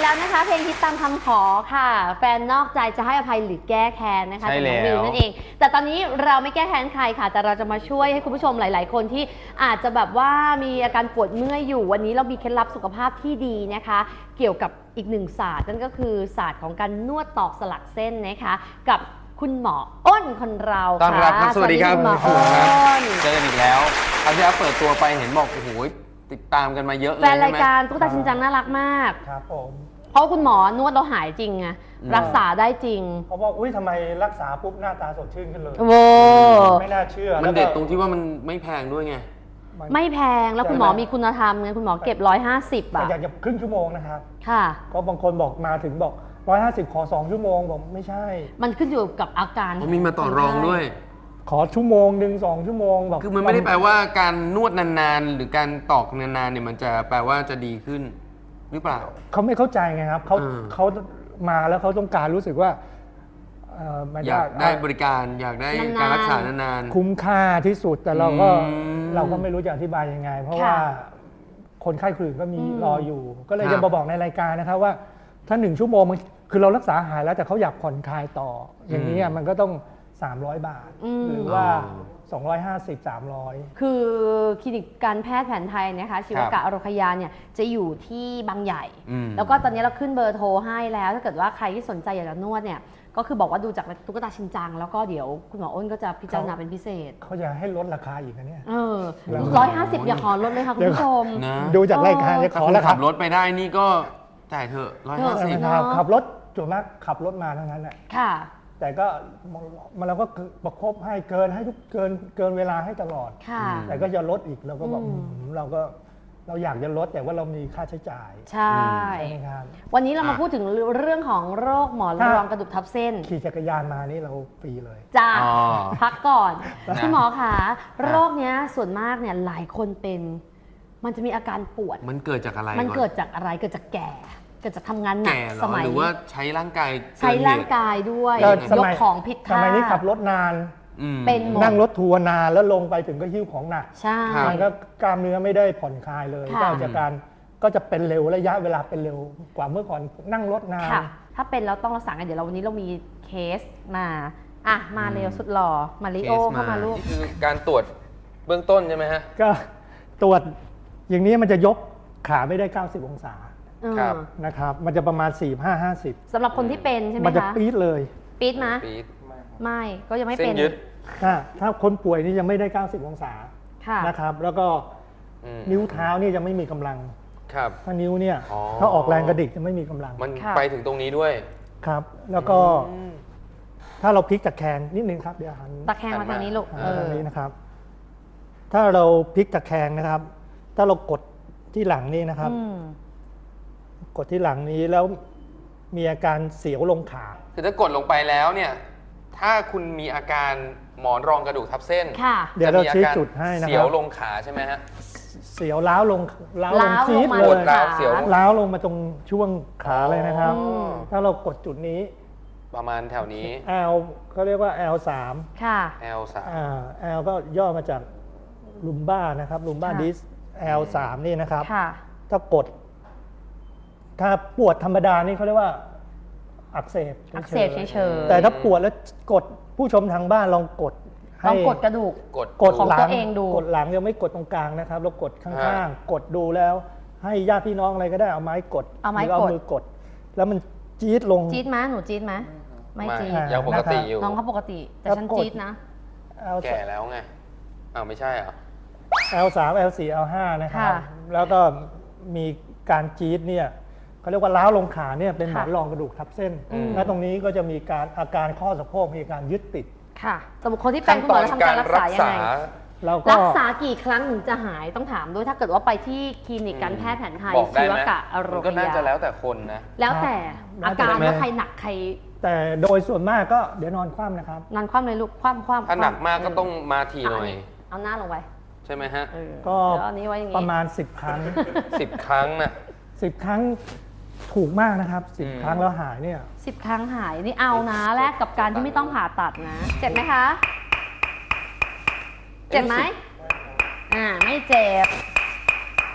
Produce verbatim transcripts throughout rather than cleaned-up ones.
แล้วนะคะเพลงฮิตตามคำขอค่ะแฟนนอกใจจะให้อภัยหรือแก้แค้นนะคะจากน้องวิวนั่นเองแต่ตอนนี้เราไม่แก้แค้นใครค่ะแต่เราจะมาช่วยให้คุณผู้ชมหลายๆคนที่อาจจะแบบว่ามีอาการปวดเมื่อยอยู่วันนี้เรามีเคล็ดลับสุขภาพที่ดีนะคะเกี่ยวกับอีกหนึ่งศาสตร์นั่นก็คือศาสตร์ของการนวดตอกสลักเส้นนะคะกับคุณหมออ้นคนเราค่ะต้อนรับครับสวัสดีครับคุณหมออ้นเจอกันอีกแล้วคราวที่แล้วเปิดตัวไปเห็นบอกโอ้โหติดตามกันมาเยอะเลยแฟนรายการตุ๊กตาชินจังน่ารักมากครับผมเพราะคุณหมอนวดเราหายจริงไงรักษาได้จริงเขาบอกอุ้ยทำไมรักษาปุ๊บหน้าตาสดชื่นขึ้นเลยโว้ไม่น่าเชื่อมันเด็ดตรงที่ว่ามันไม่แพงด้วยไงไม่แพงแล้วคุณหมอมีคุณธรรมไงคุณหมอเก็บร้อยห้าสิบอ่ะอยากจะครึ่งชั่วโมงนะครับค่ะก็บางคนบอกมาถึงบอกร้อยห้าสิบขอสองชั่วโมงบอกไม่ใช่มันขึ้นอยู่กับอาการมีมาต่อรองด้วยขอชั่วโมงหนึ่งสองชั่วโมงบอกคือมันไม่ได้แปลว่าการนวดนานๆหรือการตอกนานๆเนี่ยมันจะแปลว่าจะดีขึ้นหรือเปล่าเขาไม่เข้าใจไงครับเขาเขามาแล้วเขาต้องการรู้สึกว่าอยากได้บริการอยากได้การรักษานานๆคุ้มค่าที่สุดแต่เราก็เราก็ไม่รู้จะอธิบายยังไงเพราะว่าคนไข้คนอื่นก็มีรออยู่ก็เลยจะมาบอกในรายการนะครับว่าถ้าหนึ่งชั่วโมงมันคือเรารักษาหายแล้วแต่เขาอยากผ่อนคลายต่ออย่างนี้มันก็ต้องสามร้อยบาทหรือว่าสองร้อยห้าสิบ สามร้อยคือคลินิกการแพทย์แผนไทยนะคะชีวกะอโรคยาเนี่ยจะอยู่ที่บางใหญ่แล้วก็ตอนนี้เราขึ้นเบอร์โทรให้แล้วถ้าเกิดว่าใครที่สนใจอยากจะนวดเนี่ยก็คือบอกว่าดูจากตุ๊กตาชินจังแล้วก็เดี๋ยวคุณหมออ้นก็จะพิจารณาเป็นพิเศษเขาจะให้ลดราคาอีกนะเนี่ยเออร้อยห้าสิบอย่าขอลดเลยค่ะคุณผู้ชมดูจากรายการจะขอแล้วขับรถไปได้นี่ก็จ่ายเถอะร้อยห้าสิบขับรถจุดมากขับรถมาทั้งนั้นแหละค่ะแต่ก็มันเราก็ประคบให้เกินให้ทุกเกินเกินเวลาให้ตลอดแต่ก็จะลดอีกเราก็บอกเราก็เราอยากจะลดแต่ว่าเรามีค่าใช้จ่ายใช่ครับวันนี้เรามาพูดถึงเรื่องของโรคหมอนรองกระดูกทับเส้นขี่จักรยานมานี่เราฟรีเลยจ้าพักก่อนคุณหมอคะโรคนี้ส่วนมากเนี่ยหลายคนเป็นมันจะมีอาการปวดมันเกิดจากอะไรมันเกิดจากอะไรเกิดจากแก่เกิดจากทำงานหนักสมัยหรือว่าใช้ร่างกายใช้ร่างกายด้วยยกของผิดท่าสมัยนี้ขับรถนานเป็นนั่งรถทัวร์นานแล้วลงไปถึงก็หิ้วของหนักใช่มันก็กล้ามเนื้อไม่ได้ผ่อนคลายเลยก็จะการก็จะเป็นเร็วระยะเวลาเป็นเร็วกว่าเมื่อก่อนนั่งรถนานถ้าเป็นแล้วต้องรักษากันเดี๋ยวเราวันนี้เรามีเคสมาอ่ะมาเร็วสุดหล่อมาริโอเข้ามาลูกคือการตรวจเบื้องต้นใช่ไหมฮะก็ตรวจอย่างนี้มันจะยกขาไม่ได้เก้าสิบองศานะครับมันจะประมาณสี่ห้าห้าสิบสำหรับคนที่เป็นใช่ไหมคะมันจะปี๊ดเลยปี๊ดไหมไม่ก็ยังไม่เป็นถ้าคนป่วยนี่ยังไม่ได้เก้าสิบองศานะครับแล้วก็นิ้วเท้านี่จะไม่มีกำลังถ้านิ้วเนี่ยถ้าออกแรงกระดิกจะไม่มีกำลังมันไปถึงตรงนี้ด้วยครับแล้วก็ถ้าเราพลิกตะแคงนิดนึงครับเดี๋ยวหันตะแคงมาทางนี้ลูกทางนี้นะครับถ้าเราพลิกตะแคงนะครับถ้าเรากดที่หลังนี่นะครับกดที่หลังนี้แล้วมีอาการเสียวลงขาคือถ้ากดลงไปแล้วเนี่ยถ้าคุณมีอาการหมอนรองกระดูกทับเส้นเดี๋ยวเราชี้จุดให้นะครับเสียวลงขาใช่ไหมฮะเสียวล้าวลงล้าวลงจี๊ดเลยล้าวเสียวล้าวลงมาตรงช่วงขาเลยนะครับถ้าเรากดจุดนี้ประมาณแถวนี้ L เขาเรียกว่า แอล สามค่ะแอล สามอ่า L ก็ย่อมาจากลุมบ้านะครับลุมบ้าดิส แอล สาม นี่นะครับถ้ากดถ้าปวดธรรมดานี่เขาเรียกว่าอักเสบอักเสบเฉยๆแต่ถ้าปวดแล้วกดผู้ชมทางบ้านลองกดลองกดกระดูกกดกดหลังเองดูกดหลังยังไม่กดตรงกลางนะครับเรากดข้างๆกดดูแล้วให้ญาติพี่น้องอะไรก็ได้เอาไม้กดเอาไม้กดเอามือกดแล้วมันจี๊ดลงจี๊ดไหมหนูจี๊ดไหมไม่จี๊ดยังปกติอยู่น้องเขาปกติแต่ฉันจี๊ดนะแก่แล้วไงอ้าวไม่ใช่เหรอแอล สาม แอล สี่ แอล ห้า นะครับแล้วก็มีการจี๊ดเนี่ยเขาเรียกว่าล้าวลงขาเนี่ยเป็นหมอนรองกระดูกทับเส้นและตรงนี้ก็จะมีการอาการข้อสะโพกมีการยึดติดค่ะสำหรับคนที่เป็นคุณหมอจะทำการรักษายังไงรักษากี่ครั้งถึงจะหายต้องถามด้วยถ้าเกิดว่าไปที่คลินิกการแพทย์แผนไทยชีวกะอโรคยาก็น่าจะแล้วแต่คนนะแล้วแต่อาการว่าใครหนักใครแต่โดยส่วนมากก็เดี๋ยวนอนคว่ำนะครับนอนคว่ำเลยลูกคว่ำคว่ำถ้าหนักมากก็ต้องมาทีหน่อยเอาหน้าลงไปใช่ไหมฮะก็ประมาณสิบครั้งสิบครั้งนะสิบครั้งถูกมากนะครับสิบครั้งแล้วหายเนี่ยสิบครั้งหายนี่เอานะแลกกับการที่ไม่ต้องผ่าตัดนะเจ็บไหมคะเจ็บไหมอ่าไม่เจ็บเพ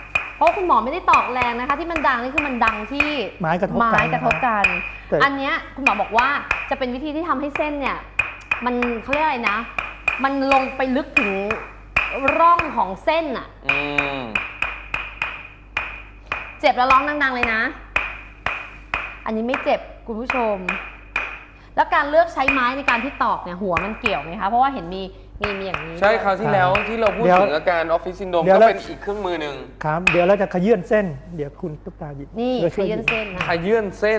ราะคุณหมอไม่ได้ตอกแรงนะคะ ที่มันดังนี่คือมันดังที่ไม้กระทบกันไม้กระทบกันแต่อันเนี้ยคุณหมอบอกว่าจะเป็นวิธีที่ทำให้เส้นเนี่ยมันเขาเรียกอะไรนะ มันลงไปลึกถึงร่องของเส้นอะอืมเจ็บแล้วร้องดังๆเลยนะ อันนี้ไม่เจ็บคุณผู้ชม แล้วการเลือกใช้ไม้ในการที่ตอกเนี่ยหัวมันเกี่ยวไหมคะเพราะว่าเห็นมีมีมีอย่างนี้ใช่ด้วยคราวที่แล้วที่เราพูดเดี๋ยวถึงอาการออฟฟิศซินโดรมเดี๋ยวก็เราเป็นอีกเครื่องมือหนึ่งครับเดี๋ยวเราจะขยื่นเส้น เดี๋ยวคุณตุ๊กตาหยิบนี่ดี๋วขช่วยื่นหบเส้นนะขยื่นเส้น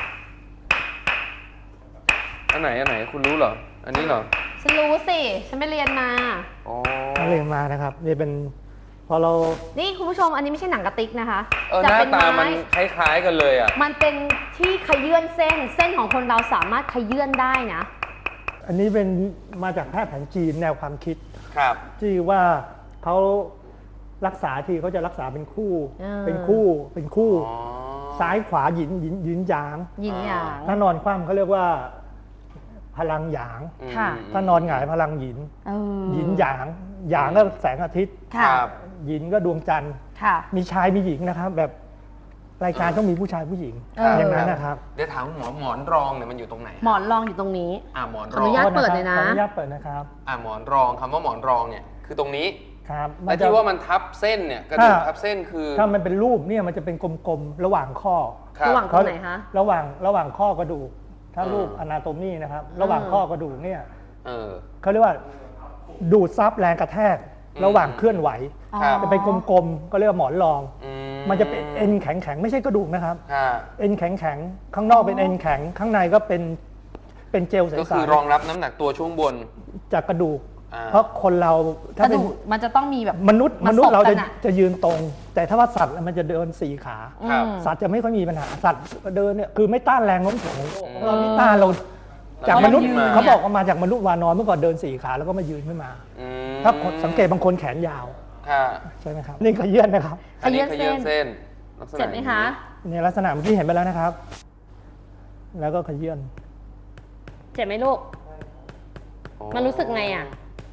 อันไหนอันไหนคุณรู้เหรอ อันนี้เหรอฉันรู้สิฉันไปเรียนมาอ๋อนักเรียนมานะครับนี่เป็นพอเรานี่คุณผู้ชมอันนี้ไม่ใช่หนังกระติกนะคะเออหจะน้าเป็นตามันไม้คล้ายๆกันเลยอ่ะมันเป็นที่ขยื่นเส้น เส้นของคนเราสามารถขยื่นได้นะอันนี้เป็นมาจากแพทย์แผนจีนแนวความคิดครับที่ว่าเขารักษาที่เขาจะรักษาเป็นคู่อ่าเป็นคู่เป็นคู่อ๋อซ้ายขวาหยินหยินหยินหยางหยินหยางถ้านอนคว่ำเขาเรียกว่าพลังหยางอืมค่ะถ้านอนหงายพลังหยินเออหยินหยางหยางก็แสงอาทิตย์คค่ะรับหยินก็ดวงจันทร์ค่ะมีชายมีหญิงนะครับ แบบรายการต้องมีผู้ชายผู้หญิงเออออย่างนั้นนะครับเดี๋ยวถามหมอหมอนรองเนี่ยมันอยู่ตรงไหนหมอนรองอยู่ตรงนี้อ่าหมอนขรอออนุงญาต เปิดเลยนะขออนุญาตเปิดนะครับอ่าหมอนรองคำว่าหมอนรองเนี่ยคือตรงนี้ครับและจะที่ว่ามันทับเส้นเนี่ยกระดูกถ้าทับเส้นคือถ้ามันเป็นรูปเนี่ยมันจะเป็นกลมๆระหว่างข้อคบระหว่างตรงไหนคะระหว่างระหว่างข้อกระดูก ถ้าอืมรูปอนาโตมีนะครับ ระหว่างข้อกระดูกเนี่ยเออเขาเรียกว่าดูดซับแรงกระแทกอืมระหว่างเคลื่อนไหวครับจะเป็นกลมๆก็เรียกว่าหมอนรองอืมันจะเป็นเอ็นแข็งๆไม่ใช่กระดูกนะครับค่ะเอ็นแข็งๆข้างนอกเป็นเอ็นแข็งข้างในก็เป็นเป็นเจลใสก็คือรองรับน้ำหนักตัวช่วงบนๆจากกระดูกอ่าเพราะคนเรากถ้าระเป็นดูกมันจะต้องมีแบบมนุษย์มามนุษย์เราจะสบกันอะจะยืนตรง แต่ถ้าว่าสัตว์มันจะเดินสี่ขาครับอืมสัตว์จะไม่ค่อยมีปัญหาสัตว์เดินเนี่ยคือไม่ต้านแรงโน้มถ่วงของโลกอืมเรานี่ต้านเราจากมนุษย์ยืนมาเขาบอกว่ามาจากมนุษย์วานอนเมื่อก่อนเดินสี่ขาแล้วก็มายืนขึ้นมาอืมถ้าคนสังเกตบางคนแขนยาวค่ะใช่ไหมครับนี่ขยื่นนะครับอันนี้ขขยื่ยื่นนเส้เส้นนลักษณะเจ็บไหมคะในลักษณะเมื่อกี้เห็นไปแล้วนะครับ แล้วก็ขยื่นเจ็บไหมลูกอ๋อมันรู้สึกไงอ่ะ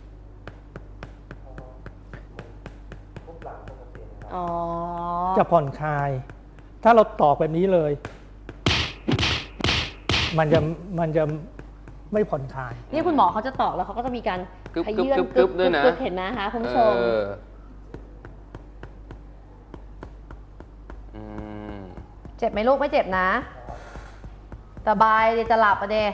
อ๋อจะผ่อนคลาย ถ้าเราตอกแบบนี้เลย มันจะมันจะไม่ผ่อนคลายนี่คุณหมอเขาจะตอกแล้วเขาก็จะมีการกึบขกึบยื่นกึบกึบด้วยนะกึบเห็นไหมคะคุณผู้ชมเอออืมเจ็บไหมลูกไม่เจ็บนะสบายเดี๋ยวจะหลับอะเด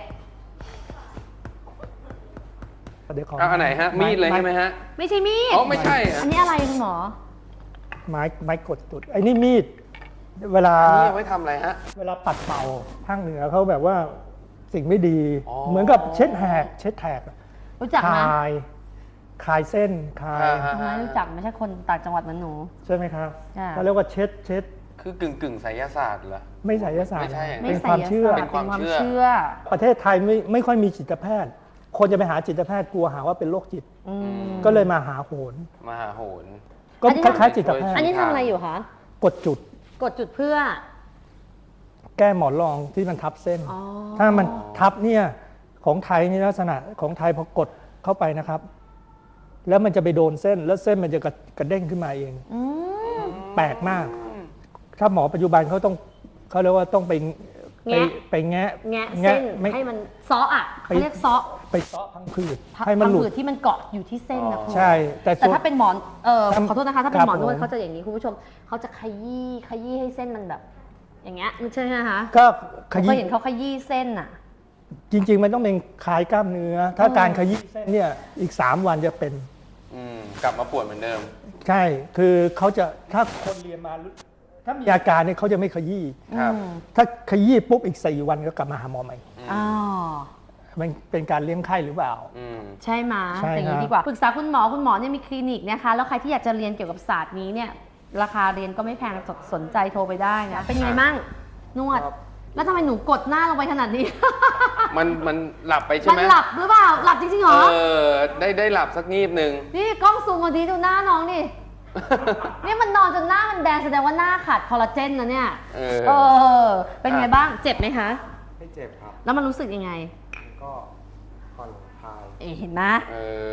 เดี๋ยวขอเอาอันไหนฮะ มีดเลยใช่ไหมฮะไม่ใช่มีดอ๋อ ไม่ใช่ฮะอันนี้อะไรคุณหมอไม้ไม้กดจุดไอ้นี่มีด เวลาอันนี้เอาไว้ทำอะไรฮะเวลาปัดเป่าภาคเหนือเขาแบบว่าสิ่งไม่ดีอ๋อเหมือนกับเช็ดแหกเช็ดแหกรู้จักคไหมลายคลายเส้นคลายฮะทำไมรู้จักไม่ใช่คนต่างจังหวัดเหมือนหนูใช่ไหมครับจ้ะเขาเรียกว่าเช็ดเช็ดคือกึ่งกึ่งๆไสยศาสตร์เหรอไม่ไสยศาสตไม่ร์ใช่ไม่เป็นใส่ความเชื่อยศเป็นความเชื่อเชื่อประเทศไทยไม่ไม่ค่อยมีจิตแพทย์ คนจะไปหาจิตแพทย์กลัวหาว่าเป็นโรคจิตอืมก็เลยมาหาโหนมหาโหนก็อันนี้คล้ายๆจิตแพทอันย์นี้ทำอะไรอยู่คะกดจุดกดจุดเพื่อแก้หมอนรองที่มันทับเส้นอ๋อถ้ามันทับเนี่ยของไทยนี่ลักษณะของไทยพอกดเข้าไปนะครับ แล้วมันจะไปโดนเส้นแล้วเส้นมันจะกระกระเด้งขึ้นมาเองอืมแปลกมาก ถ้าหมอปัจจุบันเขาต้องเขาเรียกว่าต้องไปไปแงะไปแงะแงะเส้นไม่ให้มันเซาะอ่ะไปเขาเรียกเซาะไปเซาะพังผืดพับให้มันหลุดผืดที่มันเกาะอยู่ที่เส้นนะคุณใช่ แต่แต่ส่วนถ้าเป็นหมอนเออครับขอโทษนะคะถ้าเป็นครับหมอนวดผมเขาจะอย่างนี้คุณผู้ชมเขาจะขยี้ขยี้ให้เส้นมันแบบ อย่างเงี้ยใช่ไหมคะก็ขผมเคยี้ยเห็นเขาขยี้เส้นอ่ะจริง ๆ มันต้องเป็นคลายกล้ามเนื้อ ถ้าอืมการขยี้เส้นเนี่ยอีกสามวันจะเป็นอืมกลับมาปวดเหมือนเดิมใช่ คือเขาจะถ้าคนเรียนมาถ้ามีอาการเนี่ยเขาจะไม่ขยี้ครับอืมถ้าขยี้ปุ๊บอีกสี่วันก็กลับมาหาหมอใหม่อ๋อมันเป็นการเลี้ยงไข้หรือเปล่าอืมใช่ไหมใช่อย่างนี้ครับดีกว่าปรึกษาคุณหมอคุณหมอเนี่ยมีคลินิกนะคะ แล้วใครที่อยากจะเรียนเกี่ยวกับศาสตร์นี้เนี่ย ราคาเรียนก็ไม่แพงสสนใจโทรไปได้นะ เป็นไงมั่งนวด แล้วทำไมหนูกดหน้าลงไปขนาดนี้มันมันหลับไปใช่มันไหมหลับหรือเปล่า หลับจริงๆเหรเอออ ได้ได้หลับสักงีบหนึ่งนี่กล้องซูมมาทีดูหน้าน้องนี่ นี่มันนอนจนหน้ามันแดงแสดงว่าหน้าขาดคอลลาเจนนะเนี่ยเออเออ เป็นไงบ้าง เจ็บไหมคะไม่เจ็บครับแล้วมันรู้สึกยังไงก็ผ่อนคลายเอ๋เห็นไหมเออ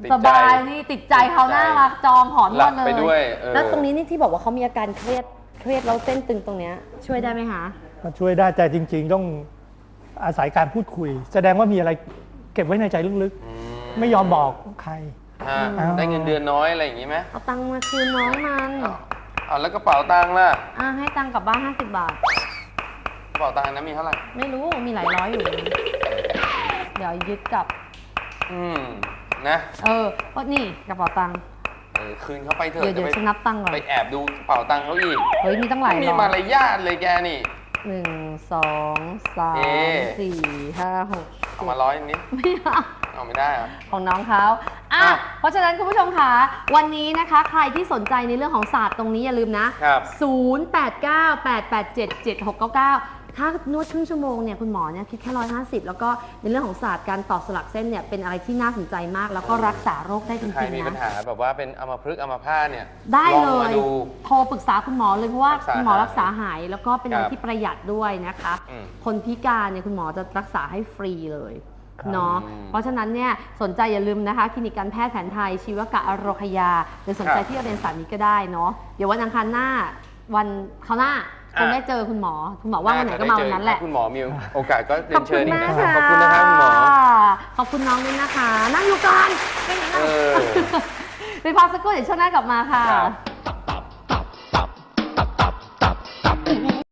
ติดสใจบายนี่ติดใจเขาน่ารักจองหอนหวลัดบเลยไปด้วยเออแล้วตรงนี้นี่ที่บอกว่าเขามีอาการเครียดเครียดแล้วเส้นตึงตรงเนี้ยช่วยได้ไหมคะก็ช่วยได้แต่จริง ๆ ต้องอาศัยการพูดคุย แสดงว่ามีอะไรเก็บไว้ในใจลึกอืๆ ไม่ยอมบอกใครฮะอืมได้เงินเดือนน้อยอะไรอย่างงี้ไหมเอาตังค์มาคืนน้องมันอ้าวอ้าวแล้วกระเป๋าตังค์ล่ะอ่ะให้ตังค์กลับบ้านห้าสิบบาทกระเป๋าตังค์นั้นมีเท่าไหร่ไม่รู้มีหลายร้อยอยู่ เดี๋ยวยึดกลับอืมนะเออก็นี่กระเป๋าตังค์เออคืนเขาไปเถเดี๋ยอะวเดี๋ยวจะฉันไปนับตังค์ก่อนไปแอบดูกระเป๋าตังค์เขาอีกเฮ้ยมีตั้งหลายมีร้อมาย รยาทเลยแกนี่หนึ่งสองสาเอ๊ะมสี่ห้าหกเอามาร้อยนิดไม่เอาเอาไม่ได้เหรอของน้องเขาอ่ะอ่ะเพราะฉะนั้นคุณผู้ชมคะวันนี้นะคะใครที่สนใจในเรื่องของศาสตร์ตรงนี้อย่าลืมนะครับ ศูนย์ แปด เก้า แปด แปด เจ็ด เจ็ด หก เก้า เก้าถ้านวดครึ่งชั่วโมงเนี่ยคุณหมอเนี่ยคิดแค่ร้อยห้าสิบแล้วก็ในเรื่องของศาสตร์การต่อสลักเส้นเนี่ยเป็นอะไรที่น่าสนใจมาก แล้วก็รักษาโรคได้จใครริงมีๆปัญนะหาแบบว่าเป็นอัมพฤกษ์อัมพาตเนี่ยได้ลเลองมาย ดูโทรปรึกษาคุณหมอเลยเพราะว่ารักษาคุณหมอหายรักษาหาย แล้วก็เป็นอะไรครับที่ประหยัดด้วยนะคะอืมคนพิการเนี่ยคุณหมอจะรักษาให้ฟรีเลยครับเนาะอืมเพราะฉะนั้นเนี่ยสนใจอย่าลืมนะคะคลินิกการแพทย์แผนไทยชีวกะอโรคยาหรือสนใจครับที่จะเรียนสายนี้ก็ได้เนาะเดี๋ยววันอังคารหน้าวันเขาวหน้าคงอ่ะได้เจอคุณหมอคุณหมอว่างวันไหนก็มาวันนั้นแหละคุณหมอมีโอกาสก็เรีขยอบนคุเชิณญอีกมากนะครับค่ะขอบคุณนะครับคุณหมอขอบคุณน้องด้วยนะคะ นั่งอยู่ก่อนไม่งั้นเออไปพักสักครู่เดี๋ยวช่วงหน้ากลับมาค่ะครับ